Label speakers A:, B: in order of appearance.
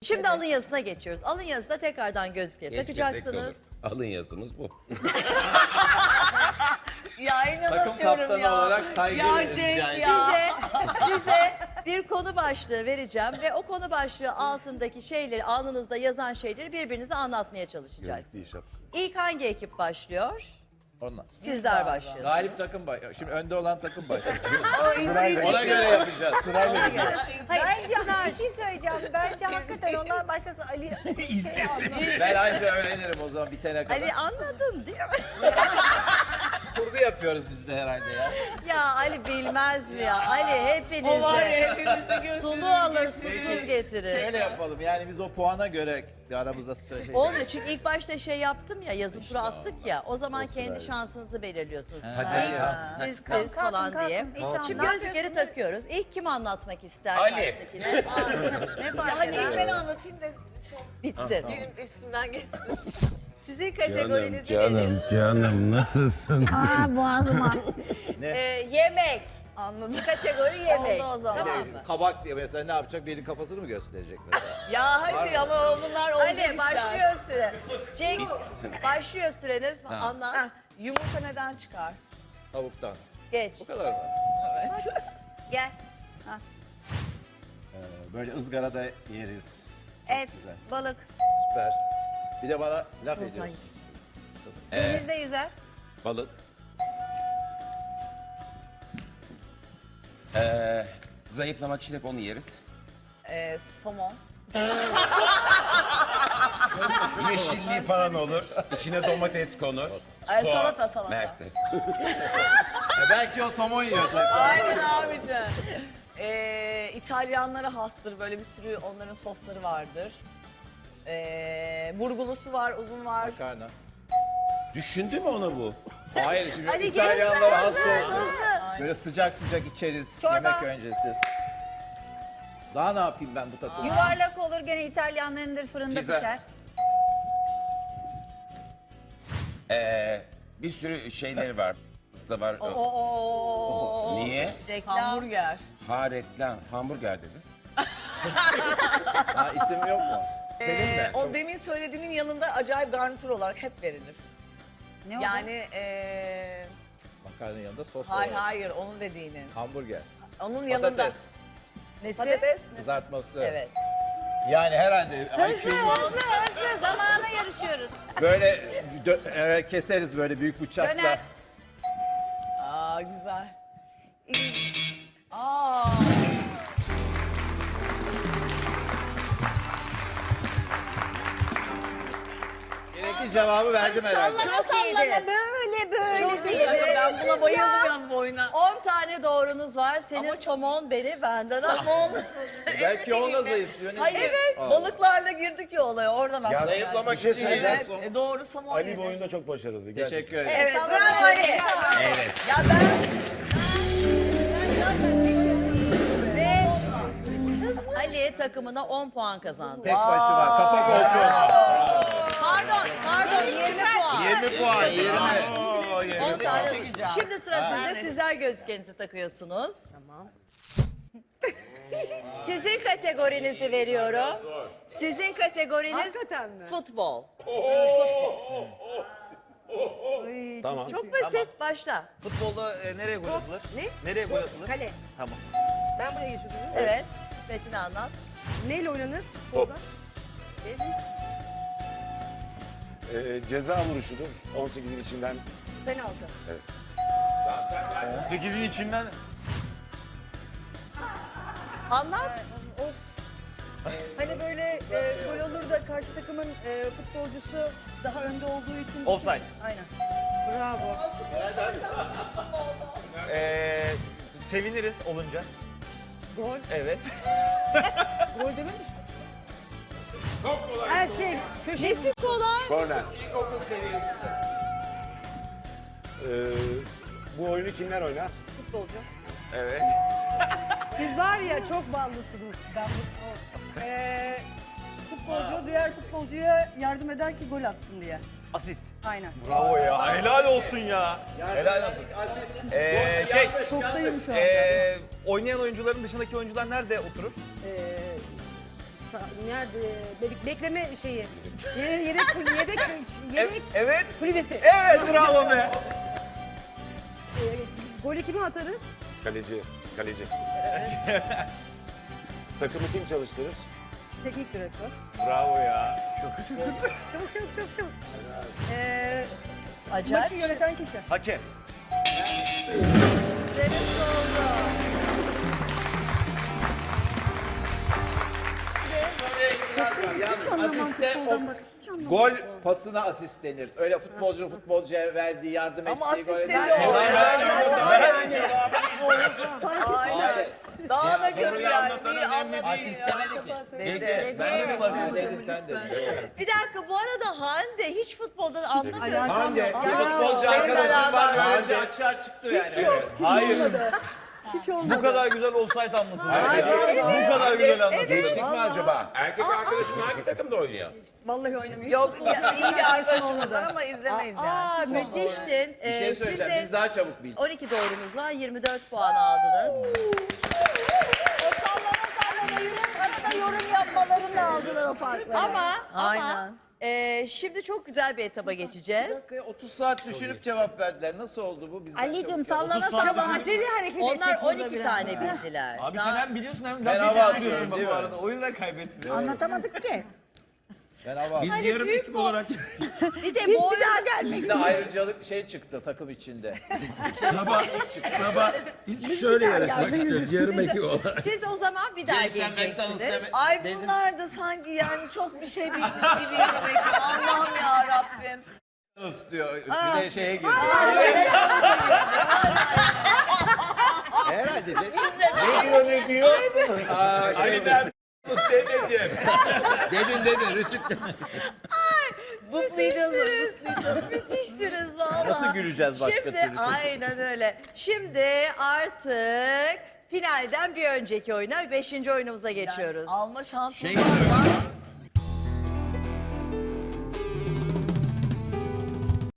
A: Şimdi alın yazısına geçiyoruz. Alın yazısına tekrardan gözlükleri takacaksınız.
B: Alın yazımız bu.
C: Ya
D: Takım
C: inanamıyorum
D: kaptanı
C: ya.
D: olarak saygı
C: Ya Cenk
D: rica
C: ya.
A: Size bir konu başlığı vereceğim ve o konu başlığı altındaki şeyleri, alnınızda yazan şeyleri birbirinize anlatmaya çalışacaksınız. İlk hangi ekip başlıyor?
D: Onlar.
A: Sizler başlıyorsunuz.
D: Galip takım başlıyor. Şimdi önde olan takım başlıyor.
C: Sırayla.
D: Ona göre yapacağız.
A: Ona göre. Hayır,
E: Bence
A: Sınar-
E: bir şey söyleyeceğim. Bence hakikaten onlar başlasa Ali izlesin.
D: Ben ayrıca öğrenirim o zaman bitene kadar.
A: Ali anladın değil mi?
D: Kurgu yapıyoruz biz de herhalde ya.
A: Ya Ali bilmez mi ya? Ali
C: O var ya
A: hepinizi
C: hepimizi götürür.
A: sulu alır susuz getirir.
D: Şöyle yapalım yani biz o puana göre bir aramızda strateji.
A: Olmuyor çünkü ilk başta şey yaptım ya, yazı tura attık ya, o zaman kendi şansınızı belirliyorsunuz.
D: Hadi
A: İlk siz falan
E: kalkın.
A: diye.
E: Tamam,
A: Şimdi
E: ne
A: gözlükleri takıyoruz. İlk kim anlatmak ister
B: Ali.
A: karşısındakine? Ne fark
C: Hadi
A: eder?
C: ben anlatayım da
A: Bitsin.
C: benim üstümden geçsin.
A: Sizin kategorinizi
B: Canım nasılsın?
E: Aa boğazıma.
A: yemek.
C: Anladım.
A: Kategori yemek.
C: Oldu o zaman.
A: Tamam mı?
D: Kabak diye mesela ne yapacak? Birinin kafasını mı gösterecek mesela?
C: Ya hadi ama bunlar olacak
A: Ali
C: işler.
A: başlıyor süre. Cenk başlıyor süreniz. Anlat.
C: Heh, yumurta neden çıkar?
D: Tavuktan.
A: Geç.
D: Bu kadar mı?
A: Gel.
D: Böyle ızgarada yeriz.
E: Et,
D: güzel.
E: balık.
D: Süper. Bir de bana laf ediyorsun.
E: Denizde yüzer.
B: Balık. Zayıflamak için hep onu yeriz.
C: Somon.
B: Yeşilliği falan olur. İçine domates konur. Soğan.
C: salata.
B: Mersi.
D: Belki o somon yiyorsun.
C: Aynen abicim. İtalyanlara hastır, böyle bir sürü onların sosları vardır. Burgulusu var, uzun var.
D: Makarna.
B: Düşündü mü ona bu?
D: Hayır şimdi
A: Ali
D: İtalyanlara has
A: hızlı,
D: olsun.
A: hızlı.
D: Böyle sıcak sıcak içeriz
C: Çorba.
D: yemek öncesi. Daha ne yapayım ben bu takımda?
E: Yuvarlak olur gene İtalyanlarındır fırında
B: Pizza.
E: pişer.
B: Bir sürü şeyleri var. Da var. Niye?
A: Reklam.
C: Hamburger.
B: Ha reklam. Hamburger dedi.
D: Ha, isim yok mu?
B: Senin de.
C: O demin söylediğinin yanında acayip garnitür olarak hep verilir.
E: Ne oldu?
C: Yani
D: Makarnanın yanında sos
C: hayır
D: olarak.
C: hayır onun dediğinin.
D: Hamburger.
C: Onun yanında.
D: Patates.
A: Nesi?
C: Patates.
D: Kızartması.
C: Evet.
D: Yani herhalde
E: Hızlı zamana yarışıyoruz.
D: böyle keseriz böyle büyük bıçakla.
E: Döner.
C: Aa güzel. Aa.
D: Gerekli cevabı verdim herhalde.
A: Çok iyiydi.
E: Böyle
A: Çok iyi.
C: Ben buna bayıldım yalnız bu oyuna.
A: 10 tane doğrunuz var. Senin
C: Ama
A: somon beni benden al.
D: Belki onunla zayıflıyor.
C: Hayır,
D: Aa.
C: balıklarla girdik ya olaya oradan aklıma geldi.
D: Zayıflamak
F: Bir şey
D: için
F: söyleyeceğim.
D: yiyeceksin.
C: Evet, doğru somon
F: Ali
C: yedi.
F: bu oyunda çok başarılı. Gerçekten.
D: Teşekkür ederim.
C: Evet,
A: Bravo Ali.
B: Evet.
C: Ya ben
A: Ve Ali takımına 10 puan kazandı.
D: Tek başıma kapak olsun.
A: Pardon 20 puan.
D: 20 puan 20.
A: 10 tane.
C: çekeceğim.
A: Şimdi sıra sizde. Sizler gözlüklerinizi takıyorsunuz. Tamam. Sizin kategorinizi veriyorum. Sizin kategoriniz futbol.
F: Tamam.
A: Çok basit. Başla.
G: Futbolda nereye gol atılır?
A: Ne?
G: Nereye gol atılır?
E: Kale.
G: Tamam.
E: Ben buraya geçiyorum.
A: Evet. Metin anlat.
E: Neyle oynanır?
F: Top. Ceza vuruşudur. 18'in içinden.
E: Penaltı.
G: 8'in içinden
A: Anlat.
H: Hani böyle gol olur da karşı takımın futbolcusu daha önde olduğu için...
G: Offside.
H: Aynen.
G: seviniriz olunca.
H: Gol.
G: Evet.
H: Gol dememiş mi? Her şey.
A: Nesi kolay?
F: Korner. Bu oyunu kimler oynar?
H: Futbolcu.
G: Evet.
H: Siz var ya çok ballısınız. Ben futbolcu diğer futbolcuya yardım eder ki gol atsın diye.
G: Asist.
H: Aynen.
G: Bravo ya. Helal olsun ya. Helal olsun.
H: Şoktayım şu anda.
G: oynayan oyuncuların dışındaki oyuncular nerede oturur?
I: Nerede? Bekleme şeyi. Yedek
G: Evet.
I: kulübesi.
G: Evet bravo be.
I: Golü kime atarız?
F: Kaleci. Kaleci. Takımı kim çalıştırır?
H: Teknik direktör.
G: Bravo ya.
I: Çabuk.
A: Acayip.
H: Maçı yöneten kişi.
G: Hakem.
A: Süreniz doldu.
H: Hiç anlamam
D: Asiste
H: futboldan bak. Hiç anlamam.
D: Gol pasına asist denir. Öyle futbolcunun futbolcuya verdiği, yardım ettiği
C: Ama asist
D: gol.
C: demiyor. Aynen. Daha da kötü yani. Niye anladın
D: Asist
C: ya?
D: demedi ki.
C: Dedi.
D: Ben de mi asist dedim sen dedin.
A: Bir dakika bu arada Hande hiç futboldan anlamıyor.
B: Hande.
D: Bir futbolcu arkadaşım var böylece açığa çıktı yani.
G: Hayır.
H: Hiç olmadı.
G: Bu kadar güzel offside anlatılıyor. Bu kadar güzel anlatılıyor.
B: Geçtik mi acaba? Erkek arkadaşım hangi takımda oynuyor?
H: Vallahi oynamıyor.
C: Yok ya, iyi bir arkadaşımız var ama izlemeyiz yani.
A: Aa müthiştin.
D: Bir şey söyleyeceğim, biz daha çabuk bildik.
A: 12 doğrunuz var, 24 puan aldınız.
E: O sallana arada yorum yapmalarını aldılar o farkları.
A: Ama
C: Aynen.
A: şimdi çok güzel bir etaba geçeceğiz.
D: 30 saat düşünüp cevap verdiler. Nasıl oldu bu? Bizden
E: Ali'cim
D: çabuk.
E: sallana sallana acele hareket
A: Onlar
E: ettik burada
A: 12
E: biraz.
A: tane bildiler.
G: Abi
A: Daha-
G: sen hem biliyorsun hem
D: Ben
G: laf
D: hava
G: yetiştiriyorsun
D: atıyorum,
G: bak
D: değil
G: bu
D: mi?
G: arada. O yüzden kaybettin.
H: Anlatamadık ki.
D: Ben hava
B: Biz yarım ekip olarak
A: Bir de bu arada
D: Bizde ayrıcalık şey çıktı takım içinde.
B: sabah biz şöyle yarışmak istiyoruz. Yarım ekip olarak.
A: siz o zaman bir daha geleceksiniz.
C: Ay bunlar da sanki yani çok bir şey bilmiş gibi yürümek. Allah'ım ya Rabbim.
D: Islıyor. Bir de şeye girdi. Herhalde.
F: Ne diyor?
D: Aa, şey,
B: demedim.
D: dedin rütük.
C: Bıklayacağız.
A: Müthişsiniz valla.
G: Nasıl güleceğiz başka
A: Şimdi,
G: türlü?
A: aynen öyle. Şimdi artık finalden bir önceki oyuna, 5. oyunumuza geçiyoruz.
C: Alma şansımız var.